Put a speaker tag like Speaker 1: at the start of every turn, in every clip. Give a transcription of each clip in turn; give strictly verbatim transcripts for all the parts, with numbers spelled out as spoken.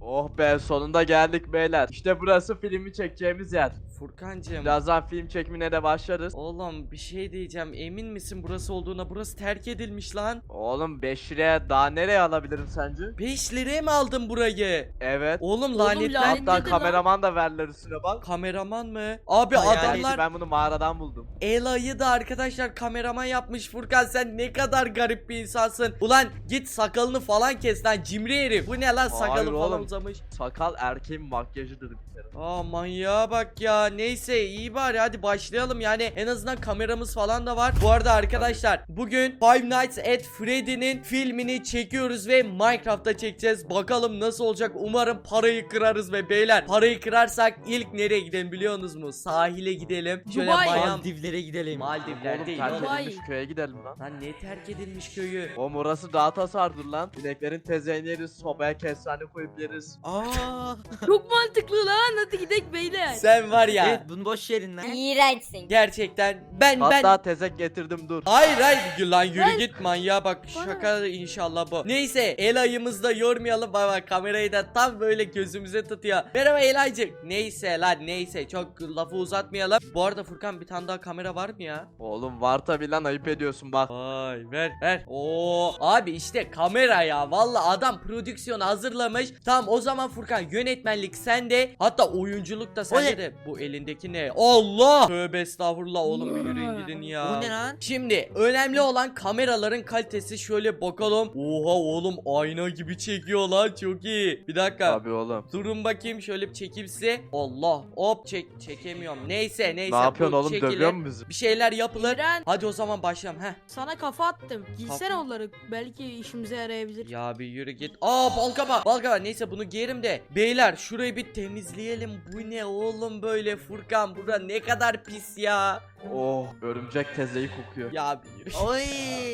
Speaker 1: Oh be, sonunda geldik beyler. İşte burası filmi çekeceğimiz yer.
Speaker 2: Furkancığım.
Speaker 1: Birazdan film çekimine de başlarız.
Speaker 2: Oğlum bir şey diyeceğim. Emin misin burası olduğuna? Burası terk edilmiş lan.
Speaker 1: Oğlum beş liraya daha nereye alabilirim sence?
Speaker 2: beş liraya mı aldın burayı?
Speaker 1: Evet.
Speaker 2: Oğlum lanetler.
Speaker 3: lanet-
Speaker 1: Hatta
Speaker 3: Nedir lan?
Speaker 1: kameraman da verdiler üstüne bak.
Speaker 2: Kameraman mı? Abi
Speaker 1: Hayaleti,
Speaker 2: adamlar
Speaker 1: ben bunu mağaradan buldum.
Speaker 2: Ela'yı da arkadaşlar kameraman yapmış. Furkan sen ne kadar garip bir insansın. Ulan git sakalını falan kes lan cimri herif. Bu ne lan, sakalı
Speaker 1: Hayır
Speaker 2: falan
Speaker 1: oğlum.
Speaker 2: uzamış.
Speaker 1: Sakal erkeğin makyajıdır bir kere.
Speaker 2: Aa manyağa bak ya. Neyse iyi bari hadi başlayalım. Yani en azından kameramız falan da var. Bu arada arkadaşlar bugün Five Nights at Freddy'nin filmini çekiyoruz ve Minecraft'ta çekeceğiz. Bakalım nasıl olacak. Umarım parayı kırarız ve beyler parayı kırarsak ilk nereye gidelim biliyorsunuz mu? Sahile gidelim. Şöyle
Speaker 3: Dubai.
Speaker 2: bayan
Speaker 4: Maldivlere gidelim.
Speaker 2: Maldivler
Speaker 1: Oğlum
Speaker 2: değil
Speaker 1: terk
Speaker 2: oğlum.
Speaker 3: Dubai.
Speaker 1: edilmiş köye gidelim lan.
Speaker 2: Lan ne terk edilmiş köyü?
Speaker 1: Oğlum orası daha tasardır lan. İneklerin tezeğini yeriz, sobaya kestane koyup yeriz.
Speaker 4: Aa.
Speaker 3: Çok mantıklı lan. Hadi gidelim beyler.
Speaker 2: Sen var ya.
Speaker 4: Evet bunu boş verin lan.
Speaker 5: İğrençsin.
Speaker 2: Gerçekten ben ben
Speaker 1: Hatta tezek getirdim, dur.
Speaker 2: Hayır hayır lan yürü
Speaker 3: Ben-
Speaker 2: git manyağa bak, şaka inşallah bu. Neyse Ela'yımızı da yormayalım, baba kamerayı da tam böyle gözümüze tutuyor. Merhaba Ela'cık. Neyse lan neyse çok lafı uzatmayalım. Bu arada Furkan bir tane daha kamera var mı ya?
Speaker 1: Oğlum var tabi lan, ayıp ediyorsun bak.
Speaker 2: Vay ver ver. Oo abi işte kamera ya. Valla adam prodüksiyonu hazırlamış. Tamam o zaman Furkan yönetmenlik sende. Hatta oyunculuk da sende
Speaker 4: ne?
Speaker 2: de. Bu elindeki ne? Allah! Tövbe estağfurullah oğlum, bir yürüyün gidin ya.
Speaker 4: Bu ne lan?
Speaker 2: Şimdi önemli olan kameraların kalitesi, şöyle bakalım. Oha oğlum ayna gibi çekiyor lan, çok iyi. Bir dakika.
Speaker 1: Tabi oğlum.
Speaker 2: Durun bakayım şöyle bir çekeyim size. Allah hop çek çekemiyorum. Neyse neyse.
Speaker 1: Ne yapıyorsun
Speaker 2: bu
Speaker 1: oğlum,
Speaker 2: çekilir.
Speaker 1: dövüyor musun bizi?
Speaker 2: Bir şeyler yapılır.
Speaker 3: İğren.
Speaker 2: Hadi o zaman başlayalım. Heh.
Speaker 3: Sana kafa attım. Giysene
Speaker 2: Kafa-
Speaker 3: onları. Belki işimize yarayabilir.
Speaker 2: Ya bir yürü git. Aa balgama. Balgama. Neyse bunu giyerim de. Beyler şurayı bir temizleyelim. Bu ne oğlum böyle Furkan? Bura ne kadar pis ya.
Speaker 1: Oh, örümcek tezeyi kokuyor.
Speaker 2: Ya bir yürü.
Speaker 4: Oy.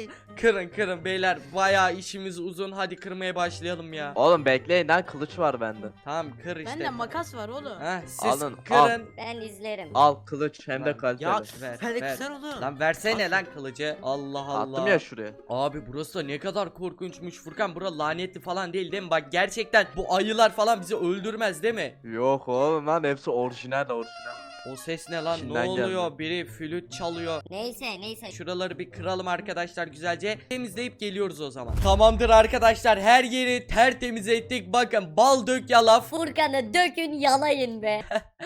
Speaker 2: Kırın kırın beyler. Bayağı işimiz uzun. Hadi kırmaya başlayalım ya.
Speaker 1: Oğlum bekleyin lan, kılıç var bende.
Speaker 2: Tamam kır işte.
Speaker 3: Bende makas var oğlum.
Speaker 2: Heh, siz
Speaker 1: Alın,
Speaker 2: kırın.
Speaker 5: Ben izlerim.
Speaker 1: Al kılıç, hem de
Speaker 2: Lan,
Speaker 1: kaliteli.
Speaker 4: Ya
Speaker 2: Ver,
Speaker 4: sen de
Speaker 2: ver.
Speaker 4: güzel oğlum.
Speaker 2: Lan versene lan kılıcı. Allah Allah.
Speaker 1: Attım ya şuraya.
Speaker 2: Abi burası da ne kadar korkunçmuş Furkan. Bura lanetli falan değil değil mi? Bak gerçekten bu ayılar falan bizi öldürmez değil mi?
Speaker 1: Yok oğlum lan, hepsi orijinal orijinal.
Speaker 2: O ses ne lan?
Speaker 1: İçinden
Speaker 2: Ne oluyor?
Speaker 1: geldi.
Speaker 2: Biri flüt çalıyor.
Speaker 5: Neyse neyse.
Speaker 2: Şuraları bir kıralım arkadaşlar güzelce. Temizleyip geliyoruz o zaman. Tamamdır arkadaşlar. Her yeri tertemiz ettik. Bakın bal dök yalaf.
Speaker 5: Furkan'ı dökün yalayın be.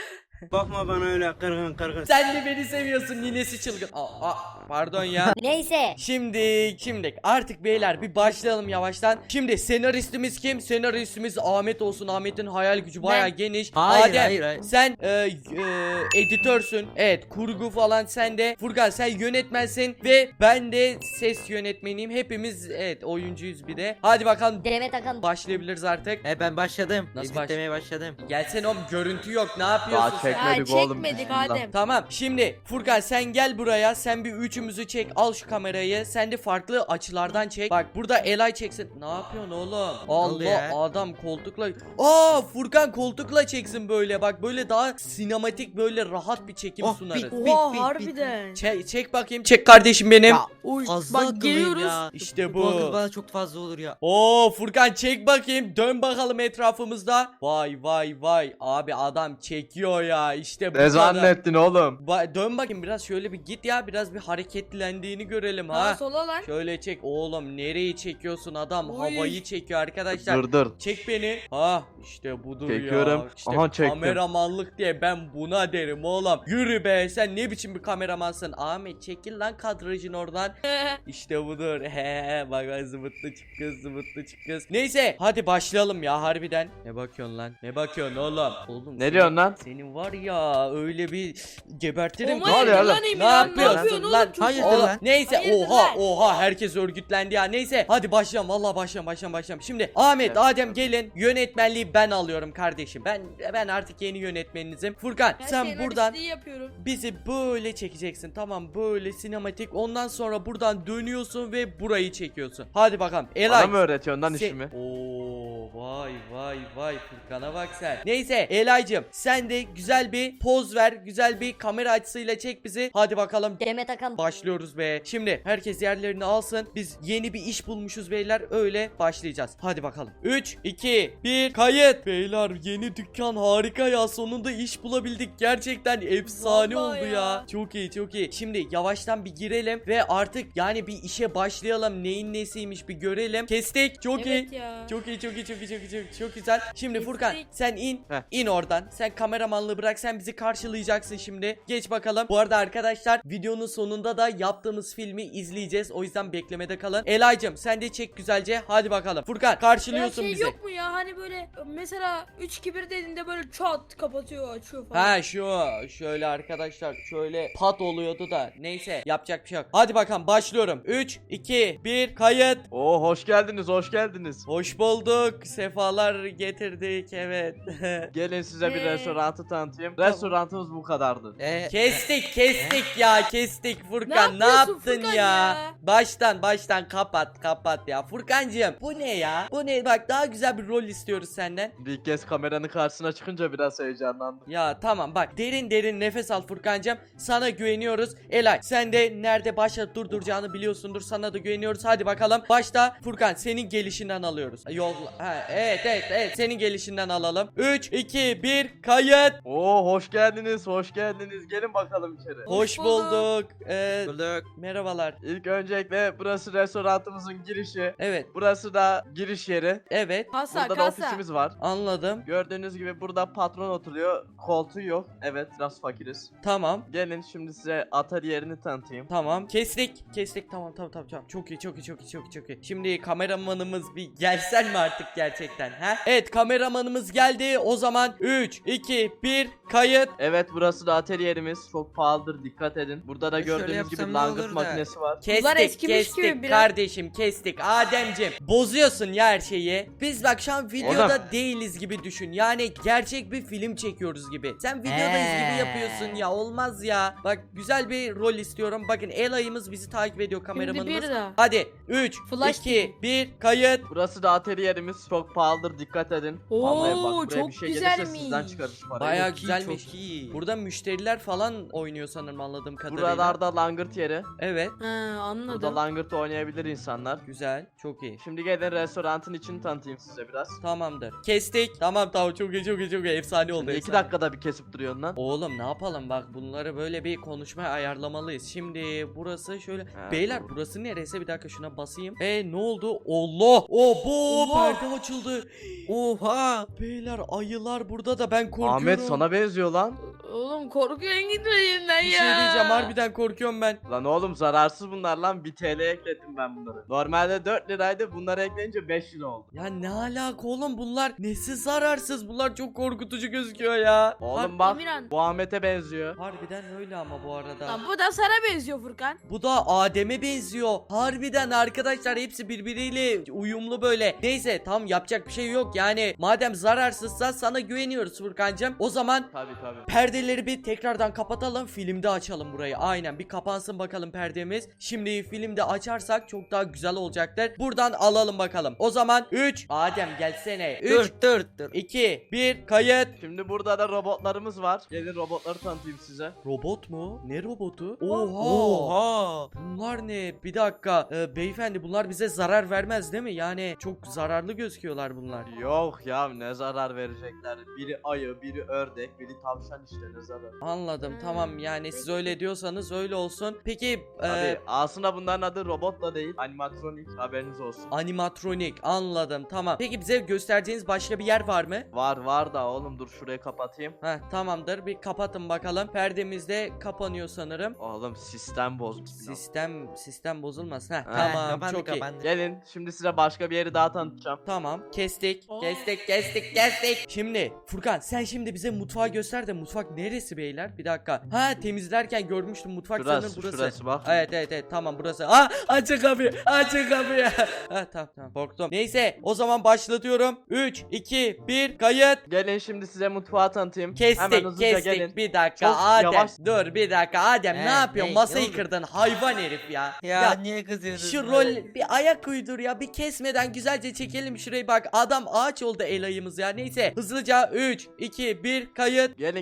Speaker 6: Bakma bana öyle kırgın kırgın.
Speaker 2: Sen de beni seviyorsun ninesi çılgın. Aa, aa, pardon ya.
Speaker 5: Neyse.
Speaker 2: Şimdi şimdi artık beyler bir başlayalım yavaştan. Şimdi senaristimiz kim? Senaristimiz Ahmet olsun. Ahmet'in hayal gücü bayağı
Speaker 3: Ben.
Speaker 2: geniş.
Speaker 4: Hayır,
Speaker 2: Adem,
Speaker 4: hayır, hayır.
Speaker 2: sen e, e, editörsün. Evet, kurgu falan sende. Furkan sen yönetmensin ve ben de ses yönetmeniyim. Hepimiz evet oyuncuyuz bir de. Hadi bakalım
Speaker 5: Demet Akan.
Speaker 2: başlayabiliriz artık.
Speaker 4: E ben başladım.
Speaker 2: Nasıl
Speaker 4: Editlemeye başladım.
Speaker 2: Gelsene oğlum, görüntü yok. Ne yapıyorsun
Speaker 1: Daha
Speaker 2: sen?
Speaker 1: çekmedik
Speaker 3: Ya,
Speaker 1: oğlum.
Speaker 3: çekmedik
Speaker 1: bismillah.
Speaker 3: Adem.
Speaker 2: Tamam şimdi Furkan sen gel buraya, sen bir üçümüzü çek, al şu kamerayı, sen de farklı açılardan çek. Bak burada Elay çeksin. Ne yapıyorsun oğlum?
Speaker 4: oldu
Speaker 2: Allah
Speaker 4: ya?
Speaker 2: adam koltukla. Aa Furkan koltukla çeksin böyle, bak böyle daha sinematik, böyle rahat bir çekim
Speaker 4: Oh,
Speaker 2: sunarız.
Speaker 4: bit, bit.
Speaker 3: Oha harbiden.
Speaker 2: Çek, çek bakayım, çek kardeşim benim.
Speaker 4: Ya
Speaker 3: Uy,
Speaker 4: fazla
Speaker 3: bak
Speaker 4: akıllıyım
Speaker 3: geliyoruz.
Speaker 4: ya.
Speaker 2: İşte
Speaker 4: Bu akıl
Speaker 2: bu.
Speaker 4: bana çok fazla olur ya.
Speaker 2: Oo Furkan çek bakayım, dön bakalım etrafımızda. Vay vay vay abi adam çekiyor ya, işte bu
Speaker 1: Ne
Speaker 2: kadar.
Speaker 1: zannettin oğlum?
Speaker 2: Ba- dön bakayım biraz, şöyle bir git ya, biraz bir hareketlendiğini görelim ha.
Speaker 3: Sağa sola lan.
Speaker 2: Şöyle çek oğlum, nereyi çekiyorsun adam?
Speaker 3: Oy.
Speaker 2: Havayı çekiyor arkadaşlar.
Speaker 1: Dur dur.
Speaker 2: Çek beni. Ha işte budur
Speaker 1: Çekiyorum.
Speaker 2: ya. İşte
Speaker 1: Aha, çektim.
Speaker 2: kameramanlık diye ben buna derim oğlum. Yürü be, sen ne biçim bir kameramansın? Ahmet çekil lan kadrajın oradan. İşte budur. He bak bak, zıvıtlı çık kız, zıvıtlı çık kız. Neyse hadi başlayalım ya harbiden. Ne bakıyorsun lan? Ne bakıyorsun oğlum? Oğlum
Speaker 1: Ne
Speaker 2: senin-
Speaker 1: diyorsun lan?
Speaker 2: Senin var ya öyle bir gebertirim.
Speaker 3: Oma
Speaker 1: Ne oluyor
Speaker 3: yedi
Speaker 1: oğlum?
Speaker 3: lan
Speaker 2: Ne
Speaker 3: Emirhan, ne
Speaker 2: yapıyorsun
Speaker 3: yapıyorsun
Speaker 2: lan?
Speaker 3: oğlum? Çok
Speaker 4: Hayırdır
Speaker 2: Oğlum,
Speaker 4: lan?
Speaker 2: neyse
Speaker 3: Hayırdır
Speaker 2: oha
Speaker 3: lan?
Speaker 2: oha herkes örgütlendi ya. Neyse hadi başlayalım, vallahi başlayalım başlayalım başlayalım. Şimdi Ahmet,
Speaker 1: Evet.
Speaker 2: Adem gelin, yönetmenliği ben alıyorum kardeşim. Ben ben artık yeni yönetmeninizim. Furkan
Speaker 3: Ben
Speaker 2: sen
Speaker 3: senaristliği
Speaker 2: buradan
Speaker 3: yapıyorum.
Speaker 2: bizi böyle çekeceksin, tamam, böyle sinematik. Ondan sonra buradan dönüyorsun ve burayı çekiyorsun. Hadi bakalım Elay.
Speaker 1: Bana mı öğretiyorsun lan
Speaker 2: Se-
Speaker 1: işimi?
Speaker 2: Oo vay vay vay Furkan'a bak sen. Neyse Elaycığım sen de güzel güzel bir poz ver. Güzel bir kamera açısıyla çek bizi. Hadi bakalım.
Speaker 5: Demet Akan.
Speaker 2: Başlıyoruz be. Şimdi herkes yerlerini alsın. Biz yeni bir iş bulmuşuz beyler. Öyle başlayacağız. Hadi bakalım. üç, iki, bir, kayıt. Beyler yeni dükkan harika ya. Sonunda iş bulabildik. Gerçekten efsane
Speaker 3: Vallahi
Speaker 2: oldu ya.
Speaker 3: ya.
Speaker 2: Çok iyi çok iyi. Şimdi yavaştan bir girelim ve artık yani bir işe başlayalım. Neyin nesiymiş bir görelim. Kestik. Çok iyi.
Speaker 3: Evet ya.
Speaker 2: Çok iyi çok iyi çok iyi çok iyi çok, çok güzel. Şimdi
Speaker 3: Kestik.
Speaker 2: Furkan sen in.
Speaker 1: Heh.
Speaker 2: İn oradan. Sen kameramanlığı bırak. Sen bizi karşılayacaksın şimdi. Geç bakalım. Bu arada arkadaşlar videonun sonunda da yaptığımız filmi izleyeceğiz. O yüzden beklemede kalın. Elaycım sen de çek güzelce. Hadi bakalım. Furkan
Speaker 3: Ya
Speaker 2: karşılıyorsun
Speaker 3: şey
Speaker 2: bizi.
Speaker 3: yok mu ya hani böyle mesela üç iki bir dediğinde böyle çat kapatıyor açıyor falan.
Speaker 2: Ha şu şöyle arkadaşlar şöyle pat oluyordu da neyse yapacak bir şey yok. Hadi bakalım başlıyorum. üç, iki, bir kayıt.
Speaker 1: Oo hoş geldiniz hoş geldiniz.
Speaker 2: Hoş bulduk. Sefalar getirdik evet.
Speaker 1: Gelin size bir
Speaker 3: Ee?
Speaker 1: restoranı tanıtayım. Restoranımız bu kadardı.
Speaker 4: E,
Speaker 2: Kestik kestik ya kestik Furkan ne,
Speaker 3: Ne
Speaker 2: yaptın
Speaker 3: yapıyorsun Furkan
Speaker 2: ya?
Speaker 3: ya?
Speaker 2: Baştan baştan kapat kapat ya Furkancığım bu ne ya? Bu ne bak daha güzel bir rol istiyoruz senden.
Speaker 1: Bir kez kameranın karşısına çıkınca biraz heyecanlandım.
Speaker 2: Ya tamam bak derin derin nefes al Furkancığım sana güveniyoruz. Elay sen de nerede başla durduracağını biliyorsundur sana da güveniyoruz hadi bakalım. Başta Furkan senin gelişinden alıyoruz. Yol ha, evet evet evet senin gelişinden alalım. üç, iki, bir kayıt.
Speaker 1: Oo hoş geldiniz hoş geldiniz. Gelin bakalım içeri.
Speaker 2: Hoş
Speaker 3: Hoş bulduk.
Speaker 2: bulduk. Ee,
Speaker 4: bulduk.
Speaker 2: merhabalar.
Speaker 1: İlk öncelikle burası restoranımızın girişi.
Speaker 2: Evet
Speaker 1: Burası da giriş yeri.
Speaker 2: evet
Speaker 3: Kasa
Speaker 1: Burada da
Speaker 3: kasa.
Speaker 1: ofisimiz var.
Speaker 2: anladım.
Speaker 1: Gördüğünüz gibi burada patron oturuyor. Koltuğu yok. Evet biraz fakiriz.
Speaker 2: Tamam.
Speaker 1: Gelin şimdi size atölye yerini tanıtayım.
Speaker 2: Tamam. Kestik. Kestik. Tamam tamam tamam tamam. Çok iyi çok iyi çok iyi çok iyi çok iyi. Şimdi kameramanımız bir gelsen mi artık gerçekten ha? Evet kameramanımız geldi. O zaman üç, iki, bir kayıt.
Speaker 1: Evet burası da atölye yerimiz. Çok pahalıdır dikkat edin. Burada da
Speaker 4: E, şöyle
Speaker 1: gördüğünüz
Speaker 4: yapsam
Speaker 1: gibi
Speaker 4: ne
Speaker 1: langırt
Speaker 4: olur da?
Speaker 1: makinesi var.
Speaker 2: Kestik
Speaker 3: eskimiş
Speaker 2: kestik
Speaker 3: gibi biraz.
Speaker 2: kardeşim kestik. Ademcim bozuyorsun ya her şeyi. Biz bak şu an videoda
Speaker 1: Oğlum.
Speaker 2: değiliz gibi düşün. Yani gerçek bir film çekiyoruz gibi. Sen videodayız gibi
Speaker 4: Ee.
Speaker 2: yapıyorsun ya olmaz ya. Bak güzel bir rol istiyorum. Bakın Elay'ımız bizi takip ediyor
Speaker 3: Şimdi
Speaker 2: kameramanımız.
Speaker 3: bir daha.
Speaker 2: Hadi üç,
Speaker 3: Flash
Speaker 2: iki, bir kayıt.
Speaker 1: Burası da atölye yerimiz. Çok pahalıdır dikkat edin.
Speaker 3: Oo,
Speaker 1: Vallahi bak, buraya
Speaker 3: çok
Speaker 1: bir şey
Speaker 3: güzelmiş.
Speaker 1: gelirse sizden çıkarız parayı.
Speaker 2: Bayağı
Speaker 4: Çok iyi,
Speaker 2: güzelmiş.
Speaker 4: çok iyi.
Speaker 2: Burada müşteriler falan oynuyor sanırım anladığım kadarıyla.
Speaker 1: Buralarda langırt yeri.
Speaker 2: Evet.
Speaker 3: Ha anladım.
Speaker 1: Burada langırt oynayabilir insanlar.
Speaker 2: Güzel. Çok iyi.
Speaker 1: Şimdi gelin restoranın içini tanıtayım size biraz.
Speaker 2: Tamamdır. Kestik. Tamam tamam çok iyi çok iyi çok iyi. Efsane oldu.
Speaker 1: Şimdi iki
Speaker 2: efsane.
Speaker 1: dakikada bir kesip duruyorsun lan.
Speaker 2: Oğlum ne yapalım bak bunları böyle bir konuşmaya ayarlamalıyız. Şimdi burası şöyle.
Speaker 1: Ha,
Speaker 2: Beyler
Speaker 1: doğru.
Speaker 2: burası neresi? Bir dakika şuna basayım. E ne oldu? Allah! Oh bu
Speaker 3: Allah!
Speaker 2: perde açıldı.
Speaker 4: Oha.
Speaker 2: Beyler ayılar burada da ben korkuyorum.
Speaker 1: Ahmet sana benziyor lan.
Speaker 3: Oğlum korkuyorsun gitmediğinden
Speaker 2: bir
Speaker 3: ya.
Speaker 2: şey diyeceğim harbiden korkuyorum ben.
Speaker 1: Lan oğlum zararsız bunlar lan. bir T L ekledim ben bunları. Normalde dört liraydı. Bunları ekleyince beş lira oldu.
Speaker 2: Ya ne alaka oğlum bunlar nesi zararsız bunlar çok korkutucu gözüküyor ya.
Speaker 1: Oğlum bak
Speaker 3: Emirhan.
Speaker 1: bu Ahmet'e benziyor.
Speaker 2: Harbiden öyle ama bu arada.
Speaker 3: Lan bu da sana benziyor Furkan.
Speaker 2: Bu da Adem'e benziyor. Harbiden arkadaşlar hepsi birbiriyle uyumlu böyle. Neyse tam yapacak bir şey yok yani. Madem zararsızsa sana güveniyoruz Furkancığım. O zaman
Speaker 1: Tabi tabi.
Speaker 2: perdeleri bir tekrardan kapatalım. Filmde açalım burayı. Aynen bir kapansın bakalım perdemiz. Şimdi filmde açarsak çok daha güzel olacaktır. Buradan alalım bakalım. O zaman üç. Adem gelsene. üç,
Speaker 4: Dur dur dur.
Speaker 2: iki, bir kayıt.
Speaker 1: Şimdi burada da robotlarımız var. Gelin robotları tanıtayım size.
Speaker 2: Robot mu? Ne robotu? Oha.
Speaker 4: Oha.
Speaker 2: Bunlar ne? Bir dakika. Ee, beyefendi bunlar bize zarar vermez değil mi? Yani çok zararlı gözüküyorlar bunlar.
Speaker 1: Yok ya ne zarar verecekler. Biri ayı, biri ördek, biri tavşan işte ne zarar.
Speaker 2: Anladım
Speaker 3: Hmm,
Speaker 2: tamam yani siz
Speaker 3: peki.
Speaker 2: öyle diyorsanız öyle olsun. Peki e,
Speaker 1: Tabi aslında bunların adı robot da değil. Animatronik haberiniz olsun.
Speaker 2: animatronik anladım tamam. Peki bize göstereceğiniz başka bir yer var mı?
Speaker 1: Var var da oğlum dur şurayı kapatayım.
Speaker 2: Heh tamamdır bir kapatın bakalım. Perdemiz de kapanıyor sanırım.
Speaker 1: Oğlum sistem bozmuş.
Speaker 2: Sistem sistem bozulmasın. Heh,
Speaker 1: Ha,
Speaker 2: tamam
Speaker 4: kapandı,
Speaker 2: çok iyi.
Speaker 4: kapandı.
Speaker 1: Gelin şimdi size başka bir yeri daha tanıtacağım.
Speaker 2: Tamam kestik
Speaker 3: Oh.
Speaker 2: kestik kestik kestik. Şimdi Furkan sen şimdi bize mutfağı göster de mutfak neresi beyler? Bir dakika. Ha temizlerken görmüştüm mutfak
Speaker 1: Şurası,
Speaker 2: sanırım burası.
Speaker 1: şurası bak.
Speaker 2: Evet evet evet tamam burası. Ah açın kapıyı açın kapıyı. Ha tamam tamam korktum. Neyse o zaman başlatıyorum. üç iki bir kayıt.
Speaker 1: Gelin şimdi size mutfağı tanıtayım. Hemen
Speaker 2: Kestik
Speaker 1: hızlıca
Speaker 2: kestik
Speaker 1: gelin.
Speaker 2: bir dakika
Speaker 1: Çok
Speaker 2: Adem
Speaker 1: yavaş.
Speaker 2: dur bir dakika Adem ne
Speaker 4: Ee,
Speaker 2: yapıyorsun
Speaker 4: ne?
Speaker 2: masayı
Speaker 4: Ne oldu?
Speaker 2: kırdın hayvan herif ya.
Speaker 4: Ya, niye kızıyorsun?
Speaker 2: Şu rol bir ayak uydur ya bir kesmeden güzelce çekelim şurayı bak adam ağaç oldu el ayımız ya neyse hızlıca üç iki bir kayıt.
Speaker 1: Gelin gelin size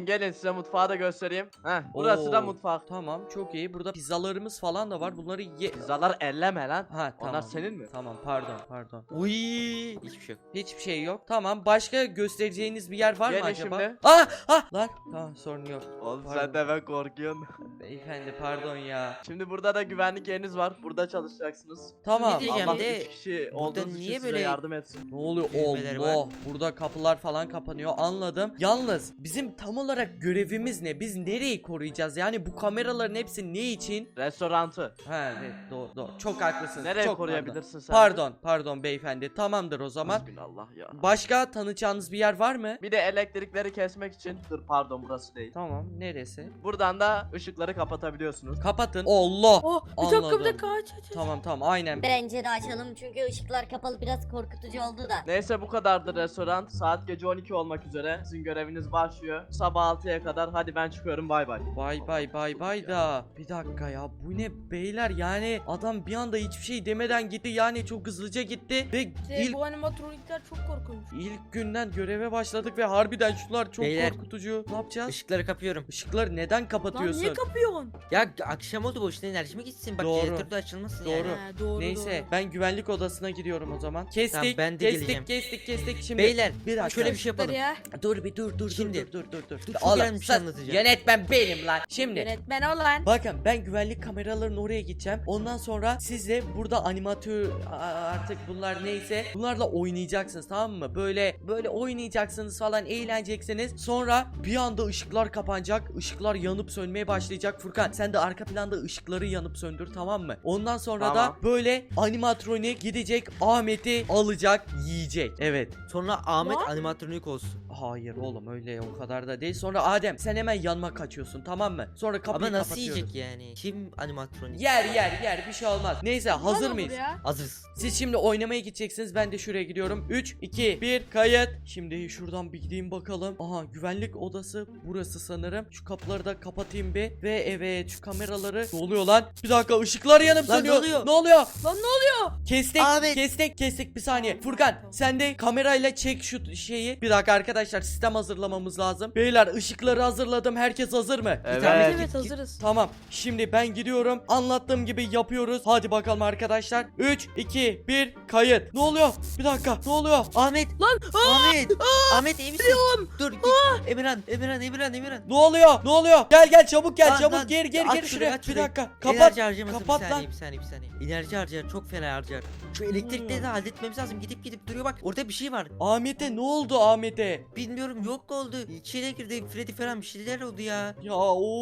Speaker 1: size mutfağı da göstereyim. Heh, burası da
Speaker 2: Oo,
Speaker 1: mutfak.
Speaker 2: Tamam, çok iyi. Burada pizzalarımız falan da var. Bunları ye.
Speaker 1: Pizzalar elleme lan.
Speaker 2: Ha, tamam.
Speaker 1: Onlar senin mi?
Speaker 2: Tamam, pardon, pardon.
Speaker 4: Uy. Hiçbir şey yok.
Speaker 2: Hiçbir şey yok. Tamam, başka göstereceğiniz bir yer var mı
Speaker 1: Gelin
Speaker 2: acaba?
Speaker 1: şimdi.
Speaker 2: Ah, ah lan. Tamam, sorun yok.
Speaker 1: Oğlum
Speaker 2: Pardon.
Speaker 1: sen de ben korkuyorsun.
Speaker 2: Beyefendi pardon ya.
Speaker 1: Şimdi burada da güvenlik yeriniz var. Burada çalışacaksınız.
Speaker 2: Tamam.
Speaker 4: Ne diyeceğim
Speaker 1: Allah
Speaker 4: de,
Speaker 1: üç kişi
Speaker 4: burada
Speaker 1: olduğunuz
Speaker 4: niye
Speaker 1: için size
Speaker 4: böyle
Speaker 1: yardım etsin.
Speaker 2: Ne oluyor?
Speaker 4: Düğmeleri
Speaker 2: Allah.
Speaker 4: var.
Speaker 2: Burada kapılar falan kapanıyor. Anladım. Yalnız bizim tam olarak görevimiz ne? Biz nereyi koruyacağız? Yani bu kameraların hepsi ne için?
Speaker 1: Restorantı.
Speaker 2: Ha evet, doğru doğru. Çok haklısınız.
Speaker 1: Nereye
Speaker 2: Çok
Speaker 1: koruyabilirsin sen?
Speaker 2: Pardon. Pardon, pardon beyefendi. Tamamdır o zaman.
Speaker 1: Allah ya.
Speaker 2: Başka tanıyacağınız bir yer var mı?
Speaker 1: Bir de elektrikleri kesmek için. Dur pardon burası değil.
Speaker 2: Tamam. Neresi?
Speaker 1: Buradan da ışıkları kapatabiliyorsunuz.
Speaker 2: Kapatın. Allah.
Speaker 3: Oh bir dakika bir
Speaker 2: Anladım.
Speaker 3: dakika aç aç aç.
Speaker 2: Tamam tamam aynen.
Speaker 5: Bence de açalım çünkü ışıklar kapalı biraz korkutucu oldu da.
Speaker 1: Neyse bu kadardı restoran. Saat gece on iki olmak üzere. Sizin göreviniz başlıyor. Sabah altıya kadar. Hadi ben çıkıyorum bay bay.
Speaker 2: Bay bay bay bay da. Bir dakika ya, bu ne beyler, yani adam bir anda hiçbir şey demeden gitti, yani çok hızlıca gitti ve
Speaker 3: İşte
Speaker 2: ilk
Speaker 3: bu animatronikler çok korkunç.
Speaker 2: ilk günden göreve başladık ve harbiden şunlar çok
Speaker 4: Beyler,
Speaker 2: korkutucu. Ne yapacağız?
Speaker 4: Işıkları kapıyorum.
Speaker 2: Işıkları neden
Speaker 3: Lan
Speaker 2: kapatıyorsun?
Speaker 3: niye kapıyorsun?
Speaker 4: Ya akşam oldu, boşuna enerjimi gitsin. Bak
Speaker 2: Doğru.
Speaker 4: jeneratör de açılmasın
Speaker 2: Doğru.
Speaker 4: yani.
Speaker 3: He, doğru
Speaker 2: Neyse
Speaker 3: doğru.
Speaker 2: ben güvenlik odasına gidiyorum o zaman. Kestik,
Speaker 4: Tamam, ben de
Speaker 2: kestik,
Speaker 4: geleceğim.
Speaker 2: kestik, kestik. Şimdi
Speaker 4: Beyler
Speaker 2: bir dakika.
Speaker 4: şöyle bir şey
Speaker 3: Işıkları
Speaker 4: yapalım.
Speaker 3: ya.
Speaker 2: Dur bir dur dur
Speaker 4: Şimdi-
Speaker 2: dur dur dur dur.
Speaker 4: Dur, çok
Speaker 2: Oğlum,
Speaker 4: önemli bir şey
Speaker 2: sus.
Speaker 4: anlatacağım.
Speaker 2: Yönetmen benim lan. Şimdi
Speaker 3: Yönetmen olan.
Speaker 2: bakın ben güvenlik kameralarının oraya gideceğim. Ondan sonra siz de burada animatör a- artık bunlar neyse bunlarla oynayacaksınız, tamam mı? Böyle böyle oynayacaksınız falan, eğleneceksiniz. Sonra bir anda ışıklar kapanacak. Işıklar yanıp sönmeye başlayacak. Furkan sen de arka planda ışıkları yanıp söndür, tamam mı? Ondan sonra
Speaker 1: Tamam.
Speaker 2: da böyle animatronik gidecek, Ahmet'i alacak, yiyecek. Evet.
Speaker 4: Sonra Ahmet
Speaker 3: Lan.
Speaker 4: animatronik olsun.
Speaker 2: Hayır oğlum, öyle o kadar da değil. Sonra Adem sen hemen yanıma kaçıyorsun, tamam mı? Sonra kapıyı
Speaker 4: Ama nasıl
Speaker 2: kapatıyoruz.
Speaker 4: yiyecek yani? Kim animatronik?
Speaker 2: Yer yer yer, bir şey olmaz. Neyse, hazır
Speaker 3: Lan
Speaker 2: mıyız?
Speaker 3: olur ya.
Speaker 4: Hazırız.
Speaker 2: Siz şimdi oynamaya gideceksiniz. Ben de şuraya gidiyorum. üç, iki, bir, kayıt. Şimdi şuradan bir gideyim bakalım. Aha, güvenlik odası burası sanırım. Şu kapıları da kapatayım bir. Ve evet, şu kameraları. Ne oluyor lan? Bir dakika, ışıklar yanıp
Speaker 4: Lan
Speaker 2: sönüyor.
Speaker 4: ne oluyor?
Speaker 2: Ne oluyor?
Speaker 3: Lan ne oluyor?
Speaker 2: Kestik,
Speaker 4: Ahmet.
Speaker 2: kestik, kestik. Bir saniye. Furkan, sen de kamerayla çek şu şeyi. Bir dakika arkadaşlar, sistem hazırlamamız lazım. Beyler, ışıkları hazırladım. Herkes hazır mı?
Speaker 1: Evet.
Speaker 3: Evet,
Speaker 4: git, git.
Speaker 3: hazırız.
Speaker 2: Tamam. Şimdi ben gidiyorum. Anlattığım gibi yapıyoruz. Hadi bakalım arkadaşlar. üç, iki, bir, kayıt. Ne oluyor? Bir dakika. Ne oluyor?
Speaker 4: Ahmet.
Speaker 3: Lan
Speaker 4: Ahmet. Ahmet iyi misin? Dur git. Emirhan, Emirhan, Emirhan, Emirhan.
Speaker 2: Ne oluyor? Ne oluyor? Gel gel çabuk gel,
Speaker 4: Lan,
Speaker 2: çabuk
Speaker 4: lan.
Speaker 2: gir gir
Speaker 4: Aç
Speaker 2: gir
Speaker 4: şurayı,
Speaker 2: şuraya.
Speaker 4: aç
Speaker 2: Bir
Speaker 4: şurayı.
Speaker 2: dakika. Kapat.
Speaker 4: Enerji harcamasın,
Speaker 2: kapat
Speaker 4: bir
Speaker 2: lan.
Speaker 4: saniye, bir saniye, bir saniye. Enerji harcar, çok fena harcar. Şu elektrikleri de halletmemiz lazım. Gidip gidip duruyor bak. Orada bir şey var.
Speaker 2: Ahmet'e ne oldu Ahmet'e?
Speaker 4: Bilmiyorum, yok oldu. İçine girdi Freddy falan, bir şeyler oldu ya.
Speaker 2: Ya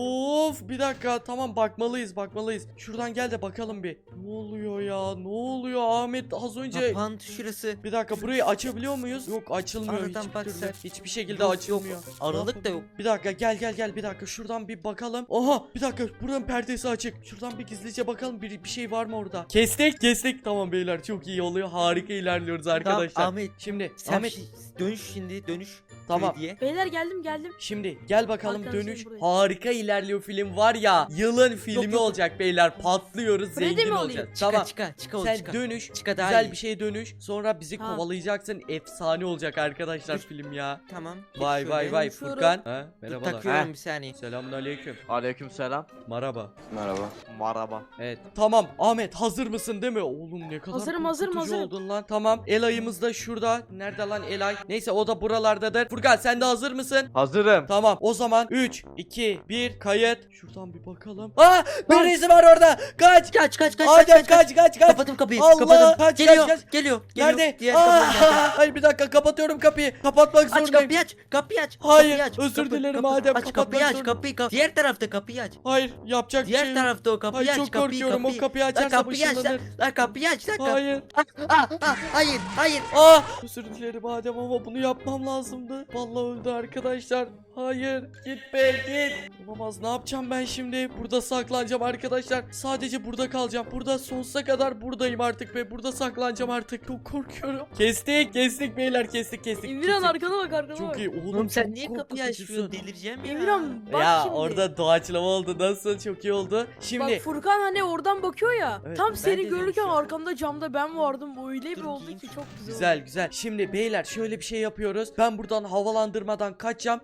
Speaker 2: of, bir dakika, tamam bakmalıyız bakmalıyız. Şuradan gel de bakalım bir. Ne oluyor ya? Ne oluyor Ahmet az önce?
Speaker 4: Kapandı şurası.
Speaker 2: Bir dakika, burayı açabiliyor muyuz? Yok, açılmıyor
Speaker 4: Aradan
Speaker 2: hiçbir
Speaker 4: bak
Speaker 2: türlü.
Speaker 4: sen.
Speaker 2: Hiçbir şekilde
Speaker 4: Yok,
Speaker 2: açılmıyor.
Speaker 4: yok. Aralık da yok.
Speaker 2: Bir dakika, gel gel gel, bir dakika şuradan bir bakalım. Oha, bir dakika, buranın perdesi açık. Şuradan bir gizlice bakalım, bir, bir şey var mı orada? Kestik kestik, tamam beyler, çok iyi oluyor, harika ilerliyoruz arkadaşlar.
Speaker 4: Tamam Ahmet.
Speaker 2: Şimdi
Speaker 4: Sen
Speaker 2: Ahmet,
Speaker 4: şey- dönüş şimdi, dönüş.
Speaker 2: tamam.
Speaker 4: Freddy'ye.
Speaker 3: Beyler geldim geldim.
Speaker 2: Şimdi gel bakalım,
Speaker 3: Arkadaşlarım
Speaker 2: dönüş
Speaker 3: buraya.
Speaker 2: harika ilerliyor, film var ya, yılın filmi
Speaker 4: yok.
Speaker 2: olacak beyler, patlıyoruz,
Speaker 3: Freddy
Speaker 2: zengin
Speaker 3: mi
Speaker 2: olacağız.
Speaker 3: olayım?
Speaker 4: Çıka,
Speaker 2: Tamam.
Speaker 4: çıka, çıka ol,
Speaker 2: Sen
Speaker 4: çıka.
Speaker 2: dönüş,
Speaker 4: Çıka daha
Speaker 2: güzel
Speaker 4: iyi.
Speaker 2: bir şeye dönüş, sonra bizi
Speaker 3: Tamam.
Speaker 2: kovalayacaksın, efsane olacak arkadaşlar
Speaker 4: Dur.
Speaker 2: film ya.
Speaker 4: Tamam.
Speaker 2: Vay
Speaker 4: Şöyle.
Speaker 2: vay vay
Speaker 3: Konuşuyorum.
Speaker 2: Furkan. Ha,
Speaker 4: Dur,
Speaker 2: merhabalar.
Speaker 4: takıyorum
Speaker 1: Ha.
Speaker 4: bir saniye.
Speaker 2: Selamünaleyküm.
Speaker 1: Aleykümselam.
Speaker 2: Merhaba.
Speaker 1: Merhaba. Merhaba.
Speaker 2: Evet. Tamam Ahmet, hazır mısın değil mi? Oğlum ne kadar
Speaker 3: Hazırım, hazırım,
Speaker 2: korkutucu
Speaker 3: hazırım.
Speaker 2: oldun lan. Tamam. Elay'ımız da şurada. Nerede lan Elay? Neyse, o da buralardadır. Furkan sen de hazır mısın?
Speaker 1: Hazırım.
Speaker 2: Tamam. O zaman üç, iki, bir, kayıt. Şuradan bir bakalım. Aa! Birisi var orada. Kaç!
Speaker 4: Kaç kaç kaç
Speaker 2: Adem kaç kaç kaç.
Speaker 4: Kapadım kapıyı.
Speaker 2: Allah,
Speaker 4: kapadım.
Speaker 2: kaç,
Speaker 4: geliyor,
Speaker 2: kaç, kaç.
Speaker 4: geliyor. Geliyor.
Speaker 2: Nerede?
Speaker 4: Diğer
Speaker 2: Aa!
Speaker 4: kapıdan geldi.
Speaker 2: Hayır, bir dakika, kapatıyorum kapıyı. Kapatmak
Speaker 4: Aç
Speaker 2: zorundayım.
Speaker 4: kapıyı aç. Kapıyı aç.
Speaker 2: Hayır,
Speaker 4: kapıyı aç.
Speaker 2: özür
Speaker 4: Kapı-
Speaker 2: dilerim
Speaker 4: kapı-
Speaker 2: Adem,
Speaker 4: Aç
Speaker 2: kapatmak
Speaker 4: kapıyı aç.
Speaker 2: zorunda.
Speaker 4: Kapıyı kapıyı. Diğer tarafta kapıyı aç.
Speaker 2: Hayır, yapacak bir
Speaker 4: Diğer
Speaker 2: şey yok.
Speaker 4: tarafta o kapıyı
Speaker 2: Ay,
Speaker 4: aç.
Speaker 2: çok
Speaker 4: kapıyı,
Speaker 2: korkuyorum, o kapıyı
Speaker 4: Lan
Speaker 2: açarsa
Speaker 4: kapıyı aç lan.
Speaker 2: ışınlanır.
Speaker 4: Lan kapıyı aç lan. kap-
Speaker 2: Hayır.
Speaker 4: Ah, ah, ah, hayır hayır.
Speaker 2: Aa! Özür dilerim Adem ama bunu yapmam lazımdı. Vallahi öldü arkadaşlar. Hayır, git be git. Olamaz, ne yapacağım ben şimdi? Burada saklanacağım arkadaşlar. Sadece burada kalacağım. Burada sonsuza kadar buradayım artık ve burada saklanacağım artık. Çok korkuyorum. Kestik, kestik beyler, kestik, kestik.
Speaker 3: Emirhan
Speaker 2: kestik.
Speaker 3: arkana bak arkana
Speaker 2: Çok
Speaker 3: bak.
Speaker 2: iyi. Oğlum,
Speaker 4: Oğlum sen
Speaker 2: çok
Speaker 4: niye kapıyı
Speaker 2: korkutucusun.
Speaker 4: açmıyorsun? Delireceğim ya.
Speaker 3: Emirhan bak
Speaker 2: Ya
Speaker 3: şimdi.
Speaker 2: orada doğaçlama oldu. Nasıl? Çok iyi oldu. Şimdi
Speaker 3: Bak Furkan hani oradan bakıyor ya.
Speaker 2: Evet,
Speaker 3: tam
Speaker 2: ben
Speaker 3: seni
Speaker 2: de
Speaker 3: görürken
Speaker 2: demiştim.
Speaker 3: arkamda camda ben vardım. Öyle bir
Speaker 4: Dur,
Speaker 3: oldu
Speaker 4: giyeyim
Speaker 3: ki
Speaker 4: şunu.
Speaker 3: çok güzel.
Speaker 2: güzel
Speaker 3: oldu.
Speaker 2: güzel. Şimdi beyler şöyle bir şey yapıyoruz. Ben buradan havalandırmadan kaçacağım. Ahmet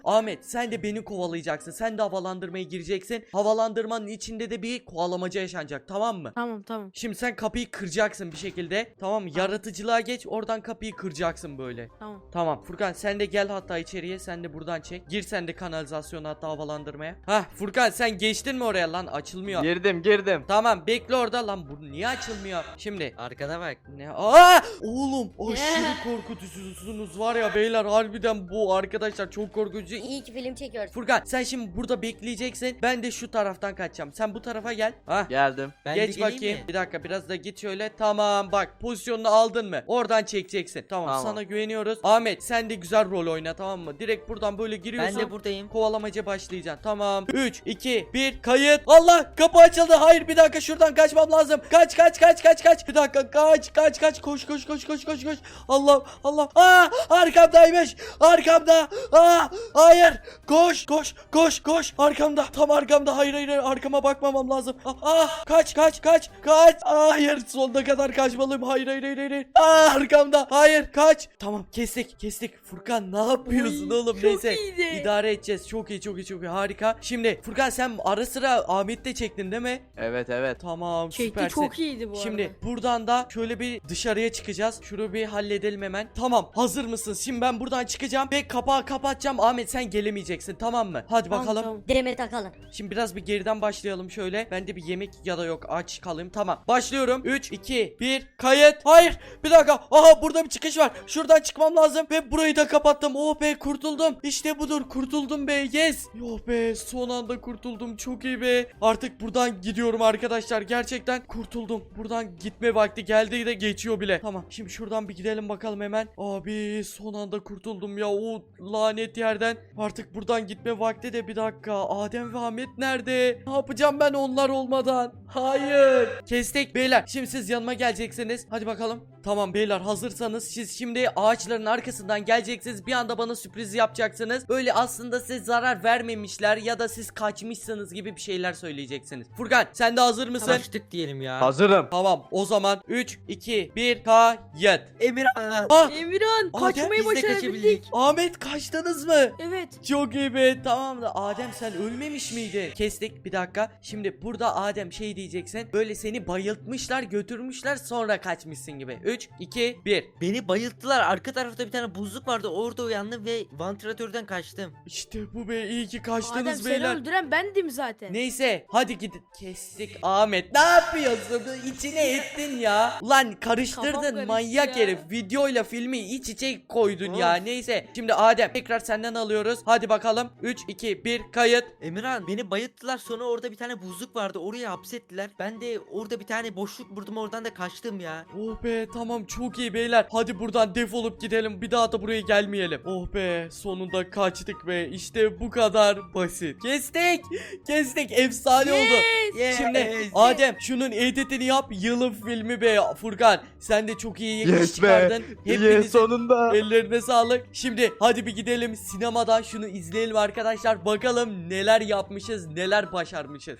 Speaker 2: sen de beni kovalayacaksın. Sen de havalandırmaya gireceksin. Havalandırmanın içinde de bir kovalamaca yaşanacak, tamam mı?
Speaker 3: Tamam tamam.
Speaker 2: Şimdi sen kapıyı kıracaksın bir şekilde. Tamam mı? Yaratıcılığa geç, oradan kapıyı kıracaksın böyle.
Speaker 3: Tamam.
Speaker 2: Tamam Furkan, sen de gel hatta içeriye, sen de buradan çek. Gir sen de kanalizasyona, hatta havalandırmaya. Hah Furkan, sen geçtin mi oraya lan? Açılmıyor.
Speaker 1: Girdim girdim.
Speaker 2: Tamam bekle orada lan, bu niye açılmıyor? Şimdi
Speaker 4: Arkana bak.
Speaker 2: ne? Aa! Oğlum aşırı korkutucusunuz var ya beyler, harbiden bu arkadaşlar çok korkutucu.
Speaker 5: İyi ki film çekiyorsun.
Speaker 2: Furkan sen şimdi burada bekleyeceksin. Ben de şu taraftan kaçacağım. Sen bu tarafa gel. Hah.
Speaker 1: Geldim.
Speaker 4: Ben de
Speaker 2: Geç
Speaker 4: geleyim
Speaker 2: bakayım.
Speaker 4: mi?
Speaker 2: Bir dakika, biraz da git şöyle. Tamam bak, pozisyonunu aldın mı? Oradan çekeceksin. Tamam,
Speaker 1: Tamam.
Speaker 2: sana güveniyoruz. Ahmet sen de güzel rol oyna, tamam mı? Direkt buradan böyle giriyorsun.
Speaker 4: Ben de buradayım.
Speaker 2: Kovalamaca başlayacaksın. Tamam. üç, iki, bir, kayıt. Allah, kapı açıldı. Hayır bir dakika, şuradan kaçmam lazım. Kaç kaç kaç kaç kaç. Bir dakika, kaç kaç kaç. Koş koş koş koş koş koş. Allah Allah. Aa, arkamdaymış. Arkamda. Aa, hayır. Koş koş koş koş. Arkamda. Tam arkamda. Hayır hayır hayır. Arkama bakmamam lazım. Aa, aa, kaç kaç kaç kaç. Hayır, sonuna kadar kaçmalıyım. Hayır hayır hayır hayır. Aa, arkamda. Hayır, kaç. Tamam, kestik kestik. Furkan ne yapıyorsun
Speaker 3: Oy,
Speaker 2: oğlum?
Speaker 3: çok
Speaker 2: Neyse.
Speaker 3: iyiydi.
Speaker 2: İdare edeceğiz. Çok iyi çok iyi çok iyi. Harika. Şimdi Furkan sen ara sıra Ahmet'te çektin değil mi?
Speaker 1: Evet evet.
Speaker 2: Tamam,
Speaker 3: Çekti
Speaker 2: süpersin.
Speaker 3: çok iyiydi bu
Speaker 2: Şimdi
Speaker 3: arada.
Speaker 2: buradan da şöyle bir dışarıya çıkacağız. Şunu bir halledelim hemen. Tamam, hazır mısın? Şimdi ben buradan çıkacağım ve kapağı kapatacağım. Ahmet sen gelemeyeceksin, tamam mı? Hadi
Speaker 3: Tamam,
Speaker 2: bakalım.
Speaker 3: tamam.
Speaker 5: Direme takalım.
Speaker 2: Şimdi biraz bir geriden başlayalım şöyle. Ben de bir yemek ya da yok, aç kalayım. Tamam. Başlıyorum. üç, iki, bir, kayıt. Hayır. Bir dakika. Aha, burada bir çıkış var. Şuradan çıkmam lazım ve burayı da kapattım. Oh be, kurtuldum. İşte budur. Kurtuldum be. Yes. Oh be, son anda kurtuldum. Çok iyi be. Artık buradan gidiyorum arkadaşlar. Gerçekten kurtuldum. Buradan gitme vakti geldi de geçiyor bile. Tamam. Şimdi şuradan bir gidelim bakalım hemen. Abi son anda kurtuldum ya. O lanet yerden. Artık buradan gitme vakti de. Bir dakika. Adem ve Ahmet nerede? Ne yapacağım ben onlar olmadan? Hayır. Kestik beyler. Şimdi siz yanıma geleceksiniz. Hadi bakalım. Tamam beyler, hazırsanız siz şimdi ağaçların arkasından geleceksiniz. Bir anda bana sürpriz yapacaksınız. Böyle aslında size zarar vermemişler ya da siz kaçmışsınız gibi bir şeyler söyleyeceksiniz. Furkan sen de hazır mısın?
Speaker 4: Kaçtık diyelim ya.
Speaker 1: Hazırım.
Speaker 2: Tamam, o zaman üç, iki, bir, kayıt.
Speaker 4: Emirhan.
Speaker 2: Ah,
Speaker 3: Emirhan
Speaker 2: Adem,
Speaker 3: kaçmayı
Speaker 4: Biz de
Speaker 3: başarabildik.
Speaker 4: kaçabildik.
Speaker 2: Ahmet kaçtınız mı?
Speaker 3: Evet.
Speaker 2: Çok iyi be. Tamam da Adem sen ölmemiş miydin? Kestik, bir dakika. Şimdi burada Adem şey diyeceksin. Böyle seni bayıltmışlar, götürmüşler, sonra kaçmışsın gibi. üç, iki, bir.
Speaker 4: Beni bayılttılar. Arka tarafta bir tane buzluk vardı. Orada uyandım ve vantilatörden kaçtım.
Speaker 2: İşte bu be, iyi ki
Speaker 3: Adem
Speaker 2: kaçtınız
Speaker 3: seni
Speaker 2: beyler.
Speaker 3: öldüren bendim zaten.
Speaker 2: Neyse hadi gidin. Kestik Ahmet. Ne yapıyorsun? İçine ettin ya. Lan
Speaker 3: Kafam
Speaker 2: karıştırdın
Speaker 3: karıştı
Speaker 2: manyak
Speaker 3: ya.
Speaker 2: herif. Videoyla filmi iç içe koydun
Speaker 4: Of.
Speaker 2: ya. Neyse. Şimdi Adem tekrar senden alıyoruz. Hadi bakalım. üç, iki, bir, kayıt.
Speaker 4: Emirhan beni bayılttılar, sonra orada bir tane buzluk vardı, oraya hapsettiler. Ben de orada bir tane boşluk buldum, oradan da kaçtım ya.
Speaker 2: Oh be, tamam çok iyi beyler. Hadi buradan defolup gidelim. Bir daha da buraya gelmeyelim. Oh be, sonunda kaçtık be. İşte bu kadar basit. Kestik. Kestik. Efsane oldu.
Speaker 4: Yes.
Speaker 2: Şimdi Adem şunun editini yap. Yılın filmi be Furkan. Sen de çok iyi iş
Speaker 1: Yes be.
Speaker 2: çıkardın.
Speaker 1: Yes,
Speaker 2: Hepinizin
Speaker 1: sonunda.
Speaker 2: ellerine sağlık. Şimdi hadi bir gidelim sinemadan şunu izleyelim arkadaşlar. Bakalım neler yapmışız, neler başarmışız.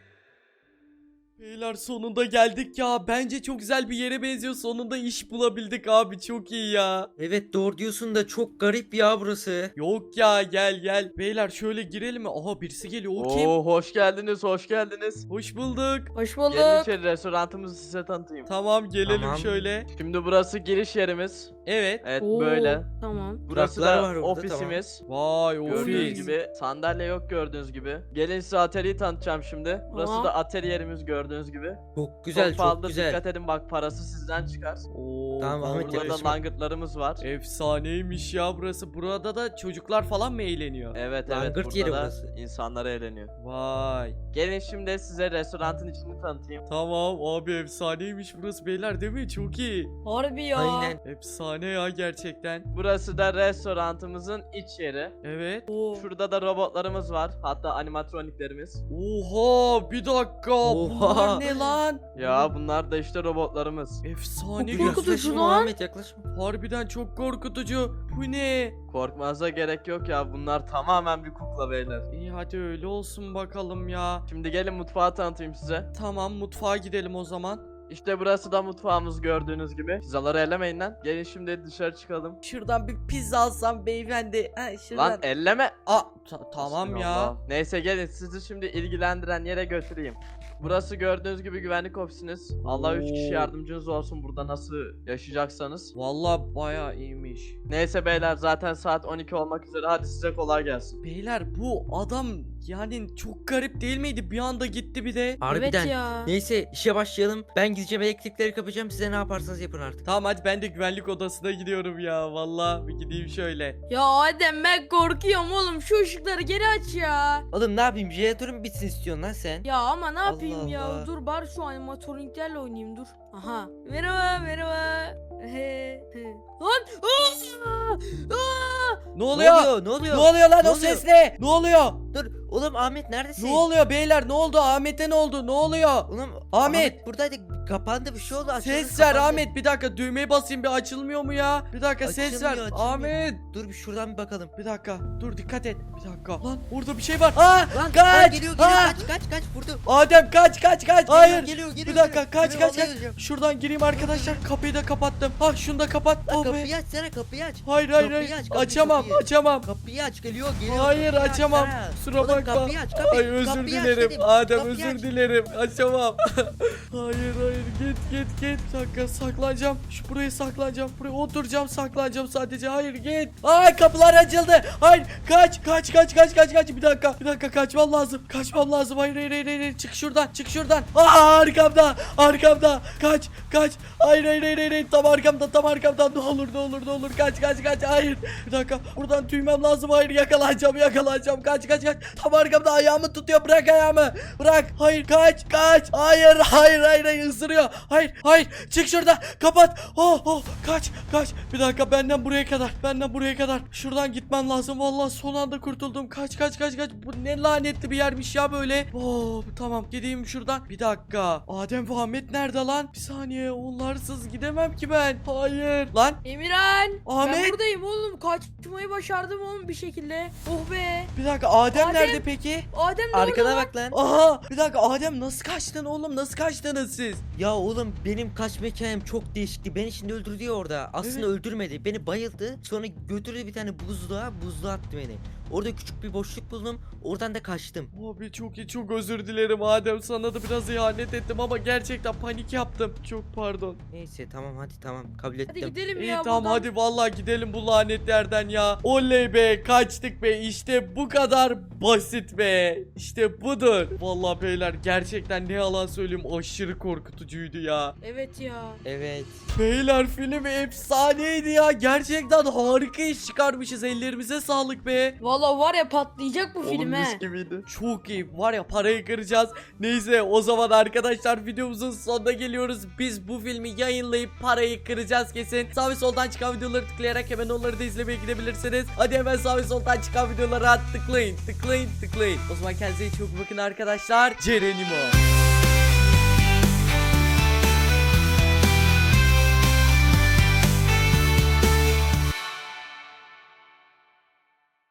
Speaker 2: Beyler sonunda geldik ya. Bence çok güzel bir yere benziyor. Sonunda iş bulabildik abi. Çok iyi ya.
Speaker 4: Evet doğru diyorsun da çok garip ya burası.
Speaker 2: Yok ya, gel gel. Beyler şöyle girelim mi? Aha, birisi geliyor. O kim?
Speaker 1: Oo, hoş geldiniz hoş geldiniz.
Speaker 2: Hoş bulduk.
Speaker 3: Hoş
Speaker 1: Gelin
Speaker 3: bulduk.
Speaker 1: içeri, restoranımızı size tanıtayım.
Speaker 2: Tamam, gelelim
Speaker 4: Tamam.
Speaker 2: şöyle.
Speaker 1: Şimdi burası giriş yerimiz.
Speaker 2: Evet.
Speaker 1: Evet
Speaker 3: Oo,
Speaker 1: böyle.
Speaker 3: Tamam.
Speaker 1: Burası
Speaker 4: Duraklar
Speaker 1: da
Speaker 4: var orada,
Speaker 1: ofisimiz.
Speaker 2: Vay,
Speaker 1: Gördüğünüz
Speaker 2: ofis.
Speaker 1: gibi sandalye yok, gördüğünüz gibi. Gelin size atölyeyi tanıtacağım şimdi. Burası
Speaker 3: Aa.
Speaker 1: da atölyemiz gördüğünüz gibi.
Speaker 4: Çok güzel
Speaker 1: çok
Speaker 4: çok,
Speaker 1: pahalı,
Speaker 4: güzel.
Speaker 1: dikkat edin bak, parası sizden çıkar.
Speaker 2: Oo,
Speaker 4: Tamam, Ahmet,
Speaker 1: Burada da
Speaker 4: yaklaşma.
Speaker 1: langırtlarımız var.
Speaker 2: efsaneymiş ya burası. Burada da çocuklar falan mı eğleniyor?
Speaker 1: Evet evet,
Speaker 4: Langırt
Speaker 1: burada
Speaker 4: yeri
Speaker 1: da
Speaker 4: burası.
Speaker 1: insanlar eğleniyor.
Speaker 2: Vay.
Speaker 1: Gelin şimdi size restoranın içini tanıtayım.
Speaker 2: Tamam abi, efsaneymiş burası beyler, değil mi? Çok iyi.
Speaker 3: Harbi ya.
Speaker 4: Aynen.
Speaker 2: Efsane ya gerçekten.
Speaker 1: Burası da restoranımızın iç yeri.
Speaker 2: Evet.
Speaker 3: Oo.
Speaker 1: Şurada da robotlarımız var. Hatta animatroniklerimiz.
Speaker 2: Oha, bir dakika.
Speaker 4: Oha.
Speaker 2: Bunlar ne lan?
Speaker 1: Ya bunlar da işte robotlarımız.
Speaker 2: Efsane.
Speaker 3: Çok
Speaker 2: bir-
Speaker 3: korkutucu
Speaker 4: Yaklaşma
Speaker 3: lan.
Speaker 4: Ahmet, yaklaşma.
Speaker 2: Harbiden çok korkutucu. Bu ne?
Speaker 1: Korkmanıza gerek yok ya. Bunlar tamamen bir kukla beyler.
Speaker 2: İyi hadi öyle olsun bakalım ya.
Speaker 1: Şimdi gelin mutfağı tanıtayım size.
Speaker 2: Tamam, mutfağa gidelim o zaman.
Speaker 1: İşte burası da mutfağımız gördüğünüz gibi. Pizzaları ellemeyin lan. Gelin şimdi dışarı çıkalım.
Speaker 2: Şuradan bir pizza alsam beyefendi. Ha, şuradan.
Speaker 1: Lan elleme.
Speaker 2: Aa, ta- tamam ya.
Speaker 1: Allah. Neyse gelin sizi şimdi ilgilendiren yere götüreyim. Burası gördüğünüz gibi güvenlik ofisiniz. Allah üç kişi
Speaker 2: Oo.
Speaker 1: yardımcınız olsun burada nasıl yaşayacaksanız.
Speaker 2: Vallahi bayağı iyiymiş.
Speaker 1: Neyse beyler zaten saat on iki olmak üzere. Hadi size kolay gelsin.
Speaker 2: Beyler bu adam yani çok garip değil miydi? Bir anda gitti bir de.
Speaker 4: Harbiden.
Speaker 3: Evet ya.
Speaker 4: Neyse işe başlayalım. Ben gideceğim elektrikleri kapayacağım. Size ne yaparsanız yapın artık.
Speaker 2: Tamam hadi ben de güvenlik odasına gidiyorum ya. Vallahi bir gideyim şöyle.
Speaker 3: Ya Adem ben korkuyorum oğlum, şu ışıkları geri aç ya.
Speaker 4: Oğlum ne yapayım? Jeneratörüm bitsin istiyorsun lan sen.
Speaker 3: Ya ama ne yapayım
Speaker 4: Allah
Speaker 3: ya?
Speaker 4: Allah.
Speaker 3: Dur bari şu animatroniklerle oynayayım dur. Aha. Merhaba merhaba. Lan! Aa! Aa!
Speaker 2: Ne
Speaker 4: Ne
Speaker 2: oluyor?
Speaker 4: oluyor? Ne oluyor?
Speaker 2: Ne oluyor lan
Speaker 4: Ne
Speaker 2: o
Speaker 4: oluyor?
Speaker 2: ses ne? Ne oluyor?
Speaker 4: Dur. Oğlum Ahmet neredesin?
Speaker 2: Ne oluyor beyler? Ne oldu? Ahmet'e ne oldu? Ne oluyor?
Speaker 4: Oğlum
Speaker 2: Ahmet!
Speaker 4: buradaydı. Kapandı bir şey oldu. Açıldı,
Speaker 2: Ses ver
Speaker 4: kapandı.
Speaker 2: Ahmet, bir dakika düğmeye basayım, bir açılmıyor mu ya? Bir dakika ses ver.
Speaker 4: Açılmıyor, açılmıyor.
Speaker 2: Ahmet.
Speaker 4: Dur bir şuradan bir bakalım.
Speaker 2: Bir dakika dur, dikkat et. Bir dakika. Lan orada bir şey var. Aa
Speaker 4: Lan lan
Speaker 2: kaç.
Speaker 4: geliyor geliyor
Speaker 2: Aa!
Speaker 4: kaç kaç kaç vurdu.
Speaker 2: Adem kaç kaç kaç.
Speaker 4: Geliyor,
Speaker 2: Hayır.
Speaker 4: Geliyor geliyor.
Speaker 2: Bir dakika
Speaker 4: geliyor.
Speaker 2: kaç
Speaker 4: Geliyor,
Speaker 2: kaç
Speaker 4: vallahi
Speaker 2: kaç.
Speaker 4: öleceğim.
Speaker 2: Şuradan gireyim arkadaşlar. Kapıyı da kapattım. Ha şunu da kapat.
Speaker 4: Lan
Speaker 2: Oh be.
Speaker 4: kapıyı açsana kapıyı aç.
Speaker 2: Hayır hayır
Speaker 4: kapıyı
Speaker 2: hayır.
Speaker 4: aç, kapıyı,
Speaker 2: Açamam
Speaker 4: kapıyı.
Speaker 2: açamam.
Speaker 4: Kapıyı aç geliyor geliyor.
Speaker 2: Hayır
Speaker 4: kapıyı
Speaker 2: açamam.
Speaker 4: açsana.
Speaker 2: Kusura
Speaker 4: Oğlum,
Speaker 2: bakma.
Speaker 4: kapıyı aç kapıyı.
Speaker 2: Ay özür
Speaker 4: kapıyı aç
Speaker 2: dilerim.
Speaker 4: dedim.
Speaker 2: Adem
Speaker 4: Kapıyı
Speaker 2: özür
Speaker 4: aç.
Speaker 2: dilerim. Açamam. hayır hayır git git git. Bir dakika saklanacağım. Şu buraya saklanacağım. Buraya oturacağım, saklanacağım sadece. Hayır git. Ay kapılar açıldı. Hayır kaç kaç kaç kaç kaç kaç. Bir dakika. Bir dakika kaçmam lazım. Kaçmam lazım. Hayır hayır hayır. hayır. Çık şuradan. Çık şuradan. Aa arkamda. Arkamda. Kaç kaç. Hayır hayır hayır. hayır. Tam arkamda. Tam arkamda. Ne olur ne olur ne olur. Kaç kaç kaç. Hayır. Bir dakika. Buradan tüymem lazım. Hayır yakalanacağım yakalanacağım. Kaç kaç kaç. Tam arkamda ayağımı tutuyor. Bırak ayağımı. Bırak. Hayır kaç kaç. Hayır hayır hayır. hayır. Isırıyor. Hayır hayır. Çık şuradan. Kapat. Oh oh. Kaç kaç. Bir dakika benden buraya kadar. Benden buraya kadar. Şuradan gitmem lazım. Vallahi son anda kurtuldum. Kaç kaç kaç kaç. Bu ne lanetli bir yermiş ya böyle. Oh tamam gideyim şuradan. Bir dakika. Adem ve Ahmet nerede lan? Bir saniye. Onlarsız gidemem ki ben. Hayır. Lan
Speaker 3: Emirhan.
Speaker 2: Ahmet.
Speaker 3: Ben buradayım oğlum. Kaçmayı başardım oğlum bir şekilde. Oh be.
Speaker 2: bir dakika. Adem,
Speaker 3: Adem.
Speaker 2: nerede peki?
Speaker 3: Adem de
Speaker 4: Arkana
Speaker 3: orada lan.
Speaker 4: bak lan.
Speaker 2: Aha bir dakika Adem nasıl kaçtın oğlum, nasıl kaçtınız siz?
Speaker 4: Ya oğlum benim kaçma hikayem çok değişikti. Beni şimdi öldürdü ya orada. Aslında
Speaker 2: Evet.
Speaker 4: öldürmedi. Beni bayıldı. Sonra götürdü bir tane buzluğa. Buzluğa attı beni. Orada küçük bir boşluk buldum. Oradan da kaçtım.
Speaker 2: Abi çok iyi, çok özür dilerim Adem, sana da biraz ihanet ettim ama gerçekten panik yaptım. Çok pardon.
Speaker 4: Neyse tamam hadi tamam kabul
Speaker 3: Hadi
Speaker 4: ettim.
Speaker 3: gidelim
Speaker 2: İyi
Speaker 3: ya
Speaker 2: tamam
Speaker 3: buradan.
Speaker 2: hadi vallahi gidelim bu lanetlerden ya. Oley be, kaçtık be, işte bu kadar basit be. İşte budur. Vallahi beyler gerçekten ne yalan söyleyeyim, aşırı korkutucuydu ya.
Speaker 3: Evet ya.
Speaker 4: Evet.
Speaker 2: Beyler film efsaneydi ya. Gerçekten harika iş çıkarmışız. Ellerimize sağlık be.
Speaker 3: Valla var ya patlayacak bu film
Speaker 1: Oğlum
Speaker 3: he.
Speaker 1: mis gibiydi.
Speaker 2: Çok iyi. Var ya parayı kıracağız. Neyse o zaman arkadaşlar videomuzun sonuna geliyoruz. Biz bu filmi yayınlayıp parayı kıracağız kesin. Sağ ve soldan çıkan videoları tıklayarak hemen onları da izlemeye gidebilirsiniz. Hadi hemen sağ ve soldan çıkan videolara tıklayın. Tıklayın tıklayın. O zaman kendinize çok bakın arkadaşlar. Cerenimo.